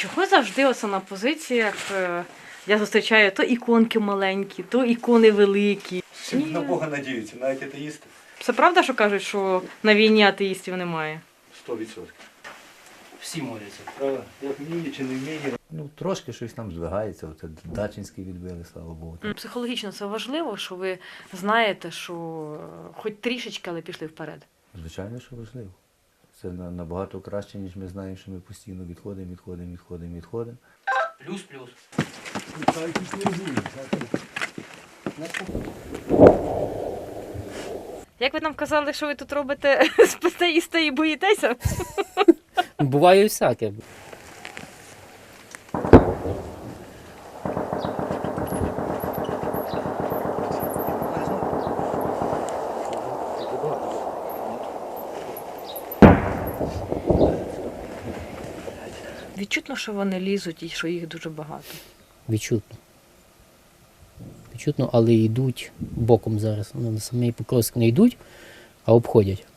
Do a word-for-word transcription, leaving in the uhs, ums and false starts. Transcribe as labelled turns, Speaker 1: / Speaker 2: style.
Speaker 1: Чого завжди оце на позиціях е, я зустрічаю то іконки маленькі, то ікони великі.
Speaker 2: Всі на Бога надіються, навіть атеїсти.
Speaker 1: Це правда, що кажуть, що на війні атеїстів немає?
Speaker 2: Сто відсотків.
Speaker 3: Всі моляться.
Speaker 2: Правда? Як вміє чи не вміє.
Speaker 4: Ну, трошки щось там здвигається, оце Дачинський відбили, слава Богу.
Speaker 1: Психологічно це важливо, що ви знаєте, що е, хоч трішечки, але пішли вперед.
Speaker 4: Звичайно, що важливо. Це на- набагато краще, ніж ми знаємо, що ми постійно відходимо, відходимо, відходимо, відходимо.
Speaker 3: Плюс-плюс.
Speaker 1: Як ви нам казали, що ви тут робите, спите, їсте і боїтеся?
Speaker 3: Буває і всяке.
Speaker 1: Відчутно, що вони лізуть і що їх дуже багато.
Speaker 3: Відчутно. Відчутно, але йдуть боком зараз. Ну, на самий Покровськ не йдуть, а обходять.